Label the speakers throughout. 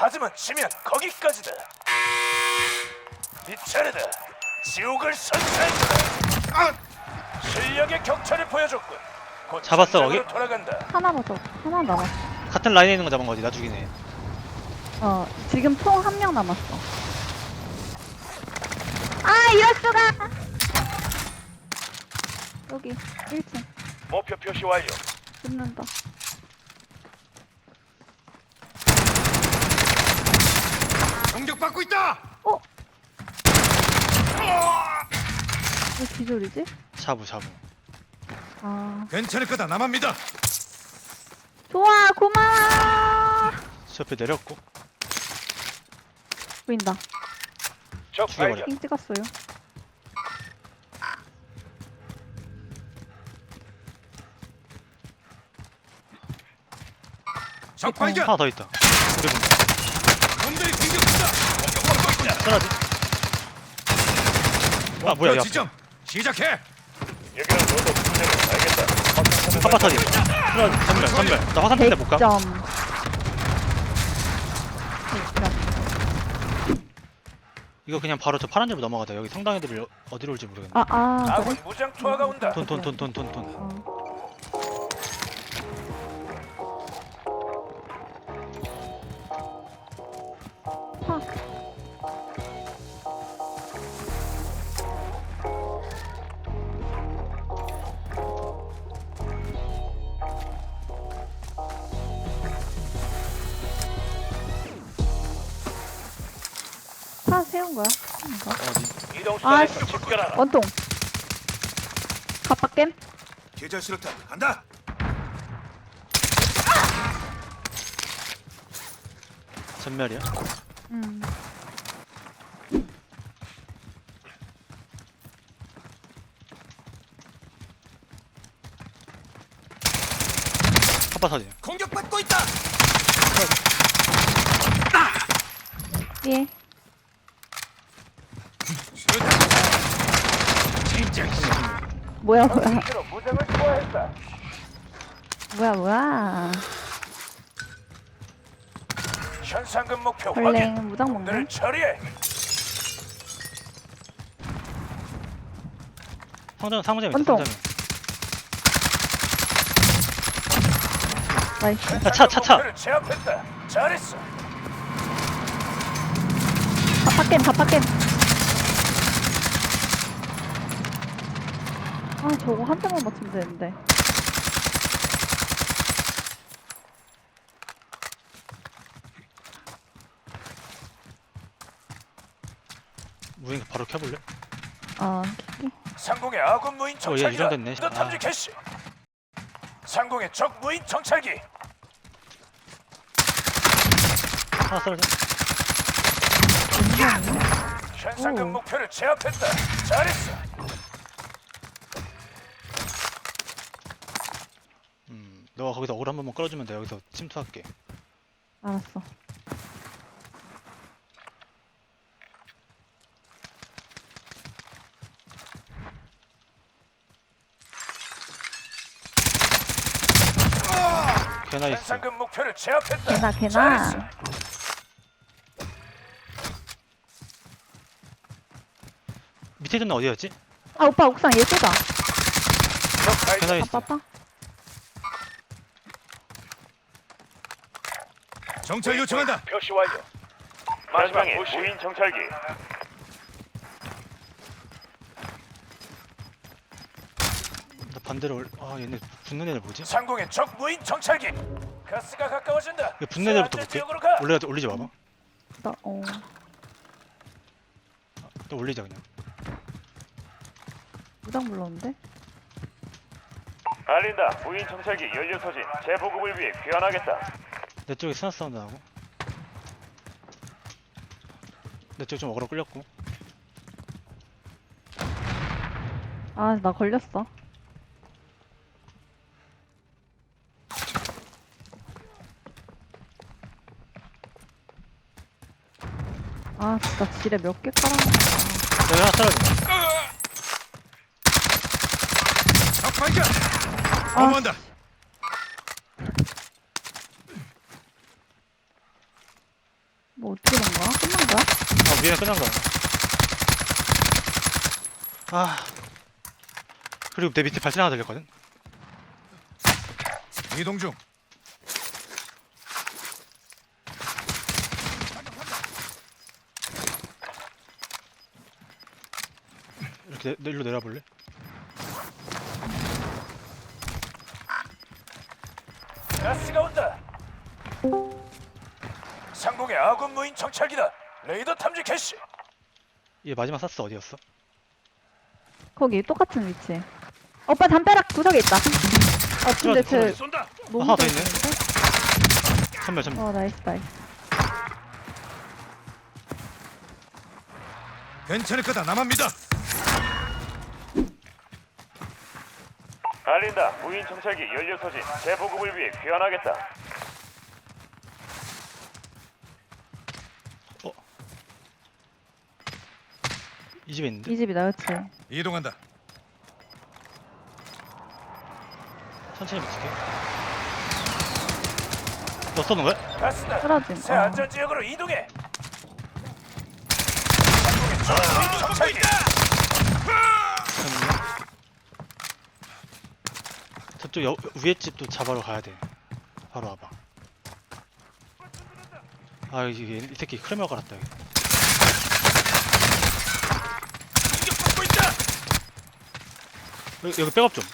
Speaker 1: 하지만 지면 거기까지다. 네 차례다. 지옥을 선사해주라. 실력의 격차를 보여줬군. 곧
Speaker 2: 잡았어,
Speaker 1: 전장으로
Speaker 2: 거기?
Speaker 1: 돌아간다.
Speaker 3: 하나 남았어.
Speaker 2: 같은 라인에 있는 거 잡은 거지. 나 죽이네.
Speaker 3: 지금 총 1명 남았어. 아, 이럴 수가! 여기 1층
Speaker 1: 목표 표시 완료.
Speaker 3: 붙는다.
Speaker 1: 공격받고 있다.
Speaker 3: 왜 기절이지?
Speaker 2: 자부.
Speaker 3: 아,
Speaker 1: 괜찮을 거다. 나만 믿어.
Speaker 3: 좋아, 고마워.
Speaker 2: 저 옆에 내렸고.
Speaker 3: 보인다.
Speaker 1: 적
Speaker 2: 죽여버려.
Speaker 1: 발견.
Speaker 3: 핑 찍었어요.
Speaker 1: 적 발견.
Speaker 2: 하나 더 있다. 우리 분.
Speaker 1: 놈들이 공격한다. 공격받고 있다.
Speaker 2: 쓰러지. 아 뭐야 야.
Speaker 1: 지점 시작해. 여기는 너도 분명히 알겠다.
Speaker 2: 파파타지. 쓰러지. 전멸. 나 화산 때못 가.
Speaker 3: 100점.
Speaker 2: 이거 그냥 바로 저 파란 집으로 넘어가자. 여기 성당 애들이 어디로 올지 모르겠네.
Speaker 3: 그래?
Speaker 1: 아군 무장 투하가 온다.
Speaker 2: 돈.
Speaker 3: 차 세운 거야? 이거.
Speaker 2: 어디?
Speaker 1: 이동
Speaker 3: 아,
Speaker 1: 수단에서 집결하라.
Speaker 3: 원통. 갑박겜?
Speaker 1: 계절 수류탄 간다.
Speaker 2: 전멸이야?
Speaker 3: 음.
Speaker 2: 파파타지.
Speaker 1: 공격받고 있다.
Speaker 3: 예.
Speaker 1: 수류탄. 진짜.
Speaker 3: 뭐야.
Speaker 1: 무장을 투하했다.
Speaker 3: 뭐야.
Speaker 1: 현상금 목표
Speaker 3: 벌랭
Speaker 1: 확인.
Speaker 3: 무장
Speaker 1: 놈들을
Speaker 3: 먹네.
Speaker 1: 처리해.
Speaker 2: 상점에 있다.
Speaker 3: 원통.
Speaker 2: 상점에.
Speaker 3: 나이스.
Speaker 2: 야, 차.
Speaker 1: 목표를 제압했다. 잘했어.
Speaker 3: 갑박겜. 아, 저거 한 대만 맞추면 되는데.
Speaker 2: 무인 바로 켜볼래?
Speaker 3: 킬게.
Speaker 1: 상공의 아군 무인
Speaker 2: 얘
Speaker 1: 정찰기다.
Speaker 2: 유령됐네.
Speaker 1: 너 탐지 캐시. 상공의 적 무인 정찰기.
Speaker 2: 하나 쓰러져.
Speaker 1: 현상금
Speaker 3: 오.
Speaker 1: 목표를 제압했다. 잘했어.
Speaker 2: 너가 거기서 올 한 번만 끌어주면 돼. 여기서 침투할게.
Speaker 3: 알았어.
Speaker 2: 개나 있어.
Speaker 1: 현상금 목표를 제압했다.
Speaker 3: 개나.
Speaker 1: 잘했어.
Speaker 2: 밑에 있는 애 어디였지?
Speaker 3: 아, 오빠 옥상 얘 쏘다.
Speaker 1: 적 발견.
Speaker 2: 개나 있어.
Speaker 3: 아빠.
Speaker 1: 정찰 요청한다. 표시 완료. 마지막에 무인 정찰기.
Speaker 2: 나 반대로 얘네 붙는 애들 뭐지?
Speaker 1: 상공의 적 무인 정찰기. 가스가 가까워진다.
Speaker 2: 이거 붙는 애들부터
Speaker 1: 안전
Speaker 2: 볼게.
Speaker 1: 지역으로 가.
Speaker 2: 올리지 마봐. 또 올리자 그냥.
Speaker 3: 무장 불렀는데?
Speaker 1: 알린다. 무인 정찰기 연료 소진 재보급을 위해 귀환하겠다.
Speaker 2: 내 쪽에 스나 사운드 나고. 내 쪽 좀 어그로 끌렸고.
Speaker 3: 아, 나 걸렸어. 아, 진짜 지뢰 몇 개 깔아놨다.
Speaker 2: 여기 하나 쓰러져.
Speaker 1: 적 발견.
Speaker 3: 아,
Speaker 1: 어머한다.
Speaker 3: 씨. 어떻게 된 거야? 끝난 거야?
Speaker 2: 아 위에는 끝난 거야. 아 그리고 내 밑에 발소리 하나 들렸거든.
Speaker 4: 이동 중.
Speaker 2: 이렇게 일로 내려볼래?
Speaker 1: 가스가 온다. 상공의 아군 무인 정찰기다. 레이더 탐지 캐시.
Speaker 2: 얘 마지막 쐈어 어디였어?
Speaker 3: 거기 똑같은 위치. 오빠 담벼락 구석에 있다. 아 근데 쟤
Speaker 1: 쏜다.
Speaker 3: 너무
Speaker 2: 하나 더
Speaker 3: 잘
Speaker 2: 있네.
Speaker 3: 쏘는데?
Speaker 2: 천멸 천멸.
Speaker 3: 나이스 나이스.
Speaker 4: 괜찮을 거다. 나만 믿어.
Speaker 1: 알린다. 무인 정찰기 연료 소진 재보급을 위해 귀환하겠다.
Speaker 2: 이 집에 있는데?
Speaker 3: 이 집이다 그치?
Speaker 4: 이동한다.
Speaker 2: 천천히 붙일게. 너 쏘는 거야?
Speaker 1: 가스다.
Speaker 3: 쓰러짐.
Speaker 1: 새 안전 지역으로 이동해. 상공의 적 무인 정찰기.
Speaker 2: 잠깐만요. 저쪽 위에 집도 잡으러 가야 돼. 바로 와봐. 아 이게 이 새끼 크레머 갈았다 여기.
Speaker 1: 공격받고 있다.
Speaker 2: 여기 백업 좀.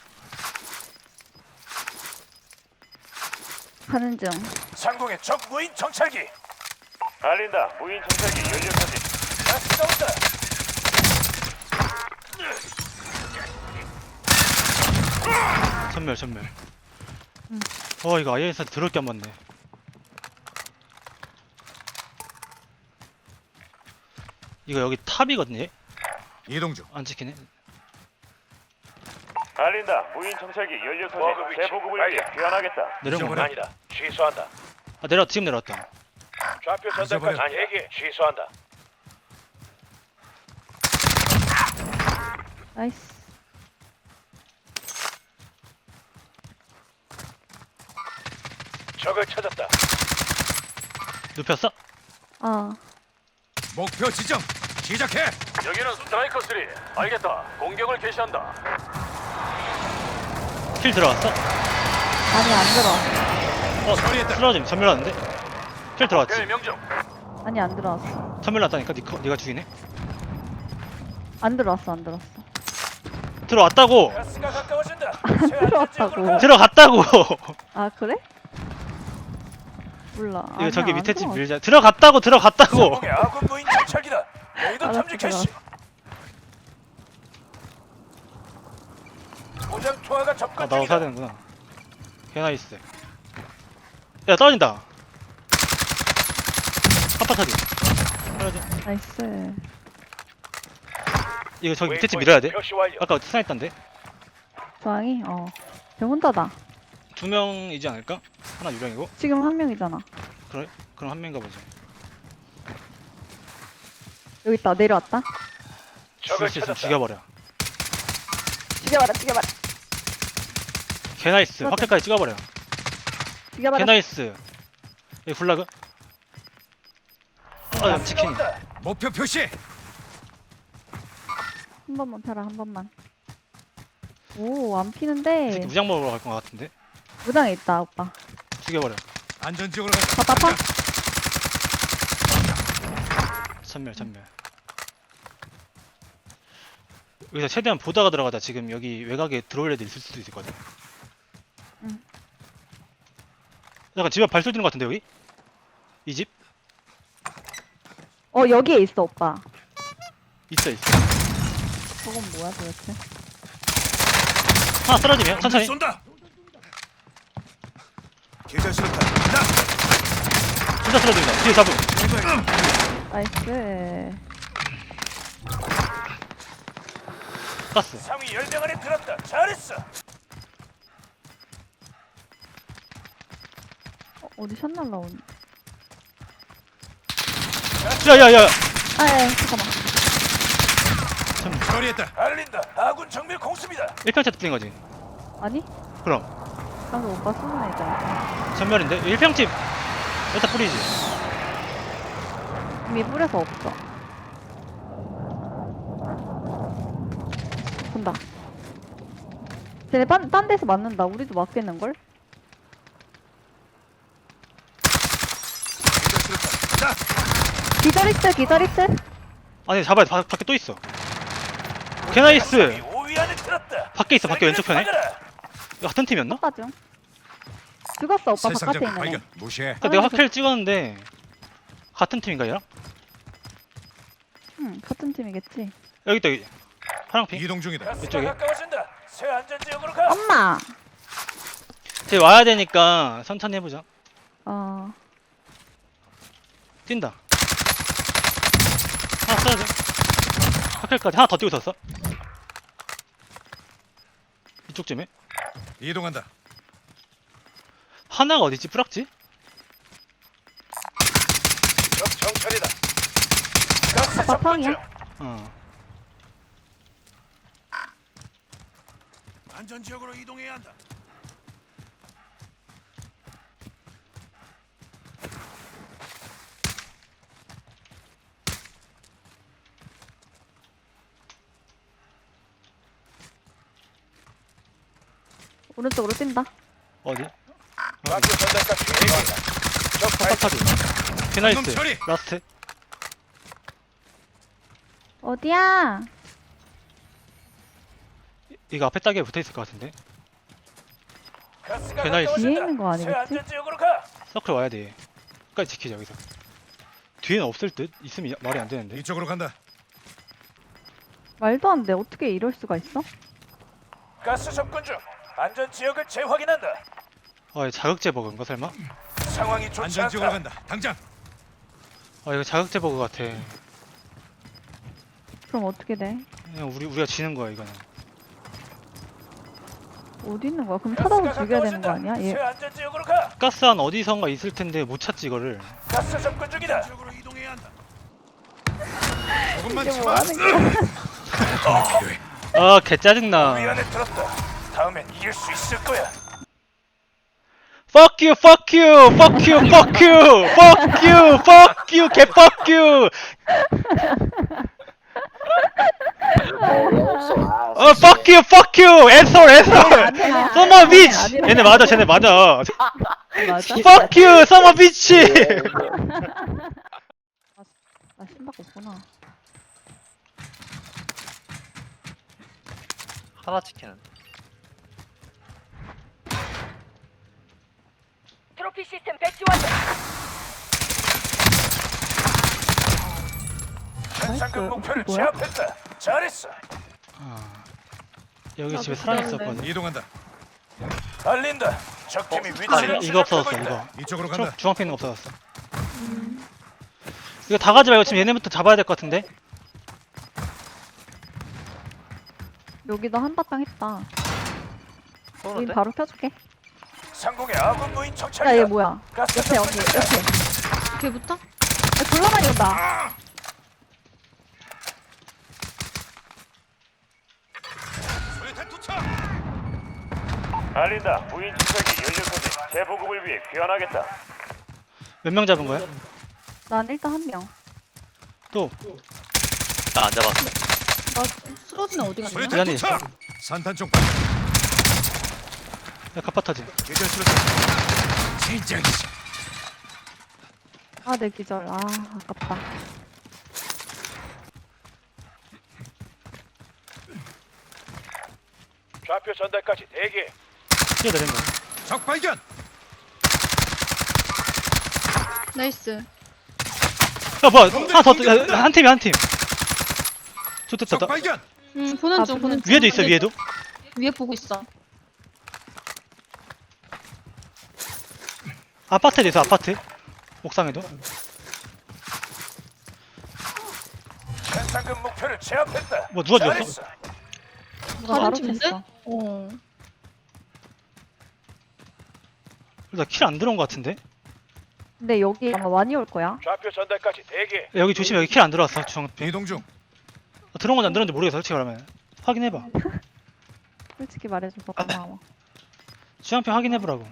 Speaker 3: 가는 중.
Speaker 1: 상공의 적 무인 정찰기. 알린다. 무인 정찰기 연료 소진. 가스가 온다.
Speaker 2: 전멸 전멸.
Speaker 3: 응.
Speaker 2: 이거 IS한테 들을 게 안 맞네. 이거 여기 탑이거든요. 얘?
Speaker 4: 이동 중.
Speaker 2: 안 찍히네.
Speaker 1: 알린다. 무인 정찰기 연료 소진 재보급을 위해 귀환하겠다.
Speaker 2: 내려온
Speaker 4: 잊어버려.
Speaker 2: 건가?
Speaker 1: 아니다. 취소한다.
Speaker 2: 아 내려 지금 내려왔다.
Speaker 1: 좌표
Speaker 4: 잊어버려.
Speaker 1: 전달까지 아니 얘기 취소한다.
Speaker 3: 나이스.
Speaker 1: 적을 찾았다.
Speaker 2: 눕혔어?
Speaker 3: 아
Speaker 4: 목표 지정. 시작해.
Speaker 1: 여기는 스트라이커 3. 알겠다. 공격을 개시한다.
Speaker 2: 킬 들어갔어?
Speaker 3: 아니 안 들어왔어.
Speaker 4: 처리했다.
Speaker 2: 쓰러짐 전멸 났는데? 킬 들어갔지?
Speaker 1: 명중.
Speaker 3: 아니 안 들어왔어.
Speaker 2: 전멸 났다니까 네가 죽이네?
Speaker 3: 안 들어왔어 안 들어왔어.
Speaker 2: 들어왔다고!
Speaker 1: 가스가 가까워진다.
Speaker 3: 들어왔다고.
Speaker 2: 들어갔다고!
Speaker 3: 아 그래? 몰라.
Speaker 2: 이거
Speaker 3: 아니야,
Speaker 2: 저기
Speaker 3: 안
Speaker 2: 밑에 집
Speaker 3: 들어왔어.
Speaker 2: 밀자. 들어갔다고!
Speaker 1: 상공의 아군 무인 정찰기다. 레이더
Speaker 3: 알았어,
Speaker 1: 탐지 캐시. 고장 투하가 접근
Speaker 2: 아 나도 사야
Speaker 1: 중이다.
Speaker 2: 되는구나. 개나이스. 야 떨어진다. 아파트디. 떨어져.
Speaker 3: 나이스.
Speaker 2: 이거 저기 밑에 집 밀어야 돼.
Speaker 1: 표시 완료.
Speaker 2: 아까 스나했던데.
Speaker 3: 저항이 쟤 혼자다.
Speaker 2: 2명이지 않을까? 하나 유령이고.
Speaker 3: 지금 한 명이잖아.
Speaker 2: 그래? 그럼 한 명인가 보지.
Speaker 3: 여기 있다 내려왔다.
Speaker 2: 죽일
Speaker 1: 적을
Speaker 2: 수 있으면
Speaker 1: 찾았다.
Speaker 2: 죽여버려.
Speaker 3: 죽여봐라 죽여봐라
Speaker 2: 개나이스.
Speaker 3: 맞아.
Speaker 2: 확실까지 찍어버려.
Speaker 3: 죽여봐라.
Speaker 2: 개나이스. 여기 블라그.
Speaker 1: 가스가
Speaker 2: 치킨.
Speaker 1: 온다.
Speaker 4: 목표 표시.
Speaker 3: 한 번만 펴라 한 번만. 오 안
Speaker 2: 이
Speaker 3: 피는데.
Speaker 2: 새끼 무장 먹으러 갈 것 같은데.
Speaker 3: 무장에 있다 오빠.
Speaker 2: 죽여버려.
Speaker 4: 안전 지역으로 간다.
Speaker 3: 답답하?
Speaker 2: 전멸 전멸. 여기서 최대한 보다가 들어가자. 지금 여기 외곽에 들어올 애들 있을 수도 있거든.
Speaker 3: 응.
Speaker 2: 약간 집 앞 발소리 들는 것 같은데 여기? 이 집?
Speaker 3: 여기에 있어 오빠.
Speaker 2: 있어 있어.
Speaker 3: 저건 뭐야 도대체?
Speaker 2: 하나 쓰러지면 천천히.
Speaker 4: 쏜다. 계좌 수류탄. 나.
Speaker 2: 진짜 쓰러집니다. 뒤에 잡음.
Speaker 3: 나이스.
Speaker 2: 가스.
Speaker 1: 상위 10명 안에 들었다. 잘했어.
Speaker 3: 어디 샷 날라오니?
Speaker 2: 야야야.
Speaker 3: 아예 잠깐만.
Speaker 4: 처리했다.
Speaker 1: 알린다. 아군 정밀 공습이다.
Speaker 2: 1평차 뚫린 거지.
Speaker 3: 아니?
Speaker 2: 그럼
Speaker 3: 방금 오빠 쏘는 애잖아.
Speaker 2: 전멸인데 1평집 여기다 뿌리지.
Speaker 3: 이미 뿌려서 없어. 본다. 쟤네 딴 데서 맞는다. 우리도 맞겠는걸?
Speaker 4: 대자수류탄. 나.
Speaker 3: 기다리스.
Speaker 2: 아니 잡아야 돼. 밖에 또 있어. 개나이스.
Speaker 1: 5위 안에 들었다.
Speaker 2: 밖에 있어. 밖에 왼쪽 편에.
Speaker 1: 받아라.
Speaker 2: 이거 같은 팀이었나?
Speaker 3: 닦아줘. 죽었어, 오빠
Speaker 4: 새
Speaker 3: 바깥에
Speaker 4: 상점
Speaker 3: 있는 애.
Speaker 4: 발견. 무시해.
Speaker 2: 아까 내가 확킬을 찍었는데 같은 팀인가 얘랑?
Speaker 3: 응, 같은 팀이겠지.
Speaker 2: 여기 있다 여기. 파랑핑.
Speaker 4: 이동 중이다.
Speaker 1: 가스가
Speaker 2: 이쪽에.
Speaker 1: 가까워진다. 새 안전 지역으로 가.
Speaker 3: 엄마!
Speaker 2: 쟤 와야 되니까 천천히 해보자.
Speaker 3: 어,
Speaker 2: 뛴다. 하나 써야 돼. 확킬까지 하나 더 뛰고 있었어. 이쪽쯤에.
Speaker 4: 이동한다.
Speaker 2: 하나가 어디지? 뿌락지?
Speaker 1: 적 정찰이다. 가스 접근
Speaker 3: 바탕이야?
Speaker 1: 중.
Speaker 2: 어.
Speaker 4: 안전 지역으로 이동해야 한다.
Speaker 3: 오른쪽으로 뛴다.
Speaker 2: 어디?
Speaker 1: 좌표 전달까지 대기한다. 적 발.
Speaker 2: 파타지. 페나이스.
Speaker 4: 방금 처리!
Speaker 2: 라스트.
Speaker 3: 어디야?
Speaker 2: 이거 앞에 따기에 붙어있을 것 같은데.
Speaker 1: 가스가
Speaker 2: 배날
Speaker 1: 가까워진다.
Speaker 3: 뒤에 있는 거
Speaker 1: 새
Speaker 3: 아니겠지?
Speaker 1: 안전 지역으로 가.
Speaker 2: 서클 와야 돼. 끝까지 지키자 여기서. 뒤에는 없을 듯? 있으면 말이 안 되는데.
Speaker 4: 이쪽으로 간다.
Speaker 3: 말도 안 돼. 어떻게 이럴 수가 있어?
Speaker 1: 가스 접근 중. 안전 지역을 재확인한다.
Speaker 2: 아, 이거 자극제 버그인가 설마?
Speaker 1: 상황이 좋지
Speaker 4: 안전 지역으로
Speaker 1: 않다.
Speaker 4: 간다. 당장.
Speaker 2: 아, 이거 자극제 버그 같아.
Speaker 3: 그럼 어떻게 돼?
Speaker 2: 그냥 우리가 지는 거야 이거는.
Speaker 3: 어디 있는 거야? 그럼
Speaker 1: 가스가
Speaker 3: 찾아서 죽여야 되는 거
Speaker 1: 가까워진다.
Speaker 3: 아니야?
Speaker 1: 새
Speaker 3: 얘
Speaker 1: 안전 지역으로 가.
Speaker 2: 가스 안 어디선가 있을 텐데 못 찾지 이거를.
Speaker 1: 가스 접근 중이다.
Speaker 4: 지역으로 이동해야 한다. 조금만
Speaker 3: 이게 뭐
Speaker 4: 참아.
Speaker 3: 하는 거야?
Speaker 4: 더 필요해.
Speaker 2: 아, 개 짜증나.
Speaker 1: 우리 안에 들었다. 다음엔 이길 수 있을 거야.
Speaker 2: Fuck you, fuck you, fuck you, fuck you, fuck you, fuck you, 개 fuck you. Fuck you, fuck you, asshole, asshole.
Speaker 3: 아니야.
Speaker 2: Summer bitch.
Speaker 3: 아니라.
Speaker 2: 얘네 맞아, 쟤네 맞아.
Speaker 3: 맞아?
Speaker 2: Fuck you, summer bitch.
Speaker 3: 나 신박 없구나.
Speaker 5: 하나 치킨은
Speaker 6: 트로피 시스템 배치 완료.
Speaker 1: 현상금
Speaker 3: 나이스.
Speaker 1: 목표를
Speaker 3: 뭐야?
Speaker 1: 제압했다. 잘했어.
Speaker 2: 여기 집에 사람 있었거든.
Speaker 4: 이동한다.
Speaker 1: 알린다. 적팀이 위치를
Speaker 2: 이거 없어졌어
Speaker 1: 추적하고 있다.
Speaker 2: 이거.
Speaker 4: 이쪽으로 간다.
Speaker 2: 중앙에 있는 거 없어졌어. 이거 다 가지 말고 지금 얘네부터 잡아야 될 것 같은데.
Speaker 3: 여기도 한바탕 했다. 여기
Speaker 5: 쏘는데?
Speaker 3: 바로 펴줄게.
Speaker 1: 상공의 아군 무인
Speaker 3: 야, 얘
Speaker 1: 정찰이다.
Speaker 3: 뭐야?
Speaker 1: 가스
Speaker 3: 옆에,
Speaker 1: 접근
Speaker 3: 여기,
Speaker 1: 중이다.
Speaker 3: 옆에. 걔부터? 야, 졸라 많이 온다.
Speaker 4: 수류탄 투척.
Speaker 1: 알린다. 무인 정찰기 연료 소지 재보급을 위해 귀환하겠다.
Speaker 2: 몇 명 잡은 거야?
Speaker 3: 난 일단 한 명.
Speaker 2: 또
Speaker 5: 나 안 잡았어.
Speaker 7: 쓰러지는 어디 갔냐?
Speaker 4: 수류탄
Speaker 2: 미안해.
Speaker 4: 투척. 산탄 쪽 발견.
Speaker 2: 야, 카파타지.
Speaker 4: 계절 수류탄. 진정이지.
Speaker 3: 아, 내 기절. 아, 아깝다.
Speaker 1: 좌표 전달까지 대기.
Speaker 2: 뛰어내린 거.
Speaker 4: 적 발견.
Speaker 7: 나이스.
Speaker 2: 야, 뭐야? 하나 더. 야, 한 팀이 한 팀. 좋됐다.
Speaker 4: 적 발견.
Speaker 7: 보는 중, 보는 중.
Speaker 2: 위에도 있어 위에도.
Speaker 7: 위에 보고 있어.
Speaker 2: 아파트에도 있어 아파트. 옥상에도.
Speaker 1: 현상금 목표를 제압했다.
Speaker 2: 뭐 누가 죽였어?
Speaker 1: 잘했어.
Speaker 3: 누가
Speaker 7: 다른
Speaker 3: 바로
Speaker 7: 팀인데?
Speaker 3: 폈어.
Speaker 7: 어.
Speaker 2: 나 킬 안 들어온 거 같은데?
Speaker 3: 근데 여기 아마 많이 올 거야.
Speaker 1: 좌표 전달까지 대기.
Speaker 2: 야, 여기 조심해 여기 킬 안 들어왔어 중앙.
Speaker 4: 이동 중.
Speaker 2: 들어온 건지 안 들어온지 모르겠어 솔직히 말하면. 확인해봐.
Speaker 3: 솔직히 말해줘서 고마워.
Speaker 2: 주황표 확인해보라고.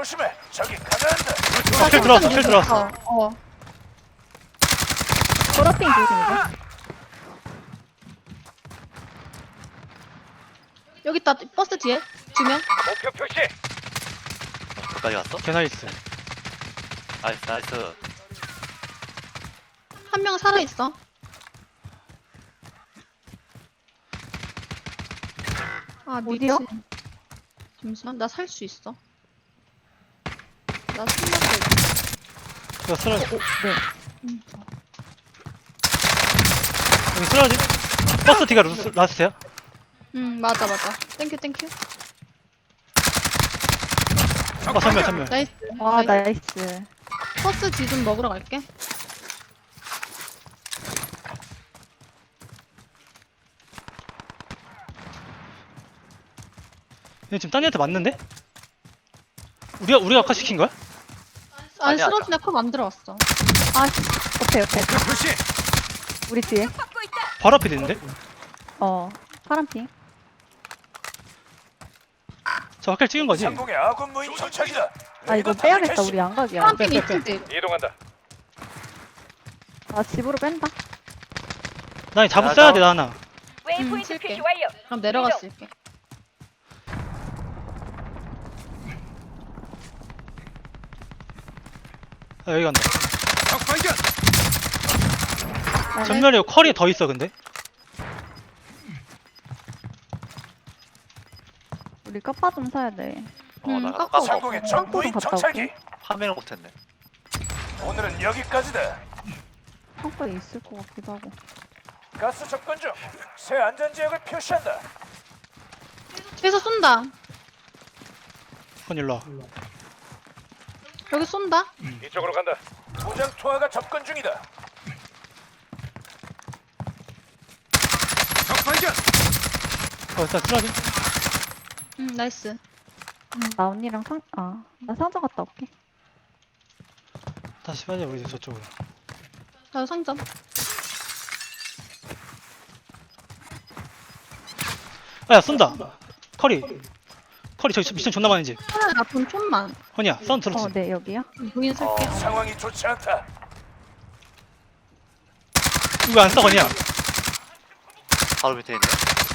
Speaker 1: 조심해. 저기 가난다.
Speaker 2: 킬 들어왔어, 킬 들어왔어.
Speaker 3: 보라핑 조심이죠.
Speaker 7: 여기 있다. 버스 뒤에 2명.
Speaker 1: 목표 표시.
Speaker 5: 끝까지 갔어?
Speaker 2: 개나이스.
Speaker 5: 나이스 나이스.
Speaker 7: 한 명 살아있어. 아,
Speaker 3: 어디요?
Speaker 7: 미친. 잠시만, 나 살 수 있어. 나 숨어서
Speaker 2: 이거 쓰러지.
Speaker 3: 네.
Speaker 2: 여기 쓰러지. 버스 뒤가 라스트야?
Speaker 7: 맞아. 땡큐.
Speaker 2: 전멸.
Speaker 7: 나이스.
Speaker 3: 와, 나이스.
Speaker 7: 버스 뒤 좀 먹으러 갈게.
Speaker 2: 얘 지금 딴 애한테 맞는데? 우리가 아까 시킨 거야?
Speaker 7: 아니,
Speaker 5: 아니야,
Speaker 7: 쓰러진 애컵 안 들어왔어.
Speaker 3: 아, 옆에.
Speaker 4: 목표 표시.
Speaker 3: 우리 뒤에.
Speaker 2: 바로 앞에 있는데?
Speaker 3: 파란핑.
Speaker 2: 저 확킬 찍은 거지?
Speaker 1: 상공의 아군 무인 정찰기다.
Speaker 3: 아, 이거
Speaker 1: 레이더
Speaker 3: 빼야겠다.
Speaker 1: 타겟
Speaker 3: 우리 양각이야.
Speaker 7: 파란핑
Speaker 2: 빼.
Speaker 7: 이틀
Speaker 1: 이동한다.
Speaker 3: 아, 집으로 뺀다.
Speaker 2: 나 잡을 써야 돼, 나 하나.
Speaker 6: 웨이포인트
Speaker 7: 쓸게.
Speaker 6: 표시 완료.
Speaker 7: 그럼 내려갔을게.
Speaker 2: 아, 여기 간다.
Speaker 4: 적 발견.
Speaker 2: 전멸이고 컬이 더 있어, 근데.
Speaker 3: 우리 까빠 좀 사야 돼.
Speaker 5: 나
Speaker 7: 깎고
Speaker 5: 깎아.
Speaker 1: 상공의 적
Speaker 3: 땅콩
Speaker 1: 무인
Speaker 3: 갔다
Speaker 1: 정찰기.
Speaker 5: 파밍을 못했네.
Speaker 1: 오늘은 여기까지다.
Speaker 3: 창고에 있을 것 같기도 하고.
Speaker 1: 가스 접근 중. 새 안전 지역을 표시한다.
Speaker 7: 뒤에서 쏜다.
Speaker 2: 건 일로 와.
Speaker 7: 여기 쏜다.
Speaker 1: 이쪽으로 간다. 무장 투하가 접근 중이다.
Speaker 4: 적 발견.
Speaker 2: 일단 쓰러지.
Speaker 7: 나이스.
Speaker 3: 나 언니랑 나 상점 갔다 올게.
Speaker 2: 다시 빠져, 우리 저쪽으로.
Speaker 7: 나 상점.
Speaker 2: 아, 야, 쏜다. 컬이 저기 미션 존나 많은지.
Speaker 7: 하나 나쁜 촌만.
Speaker 2: 허니야, 사운드 들었지?
Speaker 3: 네, 여기요.
Speaker 7: 무인 쓸게.
Speaker 1: 상황이 좋지 않다.
Speaker 2: 이거 안 써, 허니야.
Speaker 5: 바로 밑에 있네.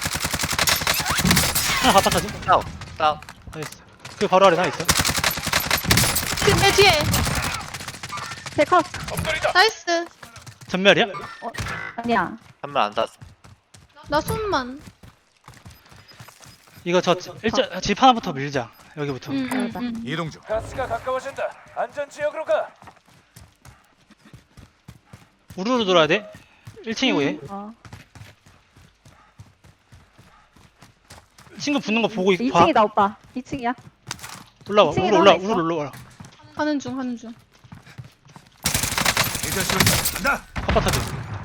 Speaker 2: 하나 바깥하지?
Speaker 5: 다운.
Speaker 2: 알겠어. 그 바로 아래 하나 있어.
Speaker 7: 내 뒤에.
Speaker 3: 제 컷.
Speaker 1: 엎드리다.
Speaker 7: 나이스.
Speaker 2: 전멸이야?
Speaker 3: 아니야.
Speaker 5: 한명 안 닿았어.
Speaker 7: 나 손만.
Speaker 2: 이거 집 하나부터 밀자. 여기부터.
Speaker 4: 이동 중.
Speaker 1: 가스가 가까워진다. 안전 지역으로 가.
Speaker 2: 우르르 돌아야 돼. 1층이고 얘. 친구 붙는 거 보고 봐.
Speaker 3: 2층이다, 오빠. 2층이야.
Speaker 2: 올라와.
Speaker 3: 2층에
Speaker 2: 우르
Speaker 3: 하나 있어.
Speaker 2: 올라와.
Speaker 7: 하는 중.
Speaker 4: 이제 수류탄 간다.
Speaker 2: 컴파타지.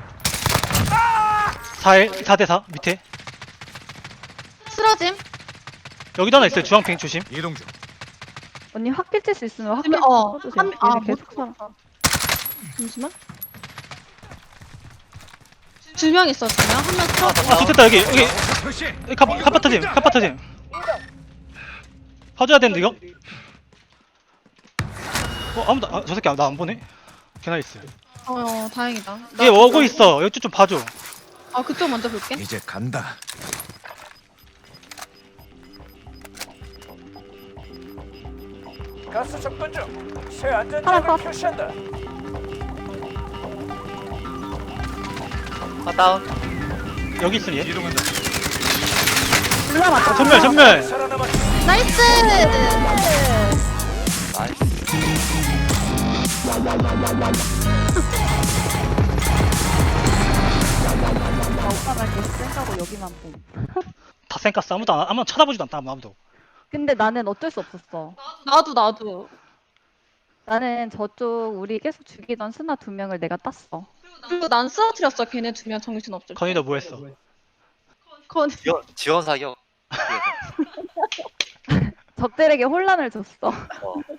Speaker 2: 4대4 밑에.
Speaker 7: 쓰러짐.
Speaker 2: 여기도 하나 있어요. 주황핑 조심.
Speaker 4: 이동 중.
Speaker 3: 언니 확길 칠 수 있으면 확길
Speaker 7: 어,
Speaker 3: 쳐주세요. 얘네 계속 살아.
Speaker 7: 잠시만. 2명 있어, 2명. 한 명 쓰러져.
Speaker 2: 아, 좋겠다. 여기
Speaker 4: 목표 표시.
Speaker 2: 카파타짐. 봐줘야 되는데 이거. 아무도 저 새끼 나 안 보네. 걔나 있어.
Speaker 7: 다행이다.
Speaker 2: 얘 오고 있어. 여기 좀 봐줘.
Speaker 7: 아, 그쪽 먼저 볼게.
Speaker 4: 이제 간다.
Speaker 1: 가스 접근 중. 새 안전
Speaker 3: 하나
Speaker 1: 지역을
Speaker 3: 더.
Speaker 1: 표시한다.
Speaker 5: 다운.
Speaker 2: 여기 있으니 얘.
Speaker 4: 이동한다.
Speaker 3: 올라왔다.
Speaker 2: 전멸.
Speaker 1: 살아남았다.
Speaker 7: 나이스!
Speaker 5: 나이스.
Speaker 3: 오빠가 이렇게 센다고 여기만 봄.
Speaker 2: 다 쌩깠어. 아무도 쳐다보지도 않다. 아무도.
Speaker 3: 근데 나는 어쩔 수 없었어.
Speaker 7: 나도.
Speaker 3: 나는 저쪽 우리 계속 죽이던 스나 2명을 내가 땄어.
Speaker 7: 그리고 난 쓰러뜨렸어, 걔네 2명 정신없을 때.
Speaker 2: 건이 너 뭐 했어?
Speaker 7: 건이.
Speaker 5: 지원 사격.
Speaker 3: 적들에게 혼란을 줬어.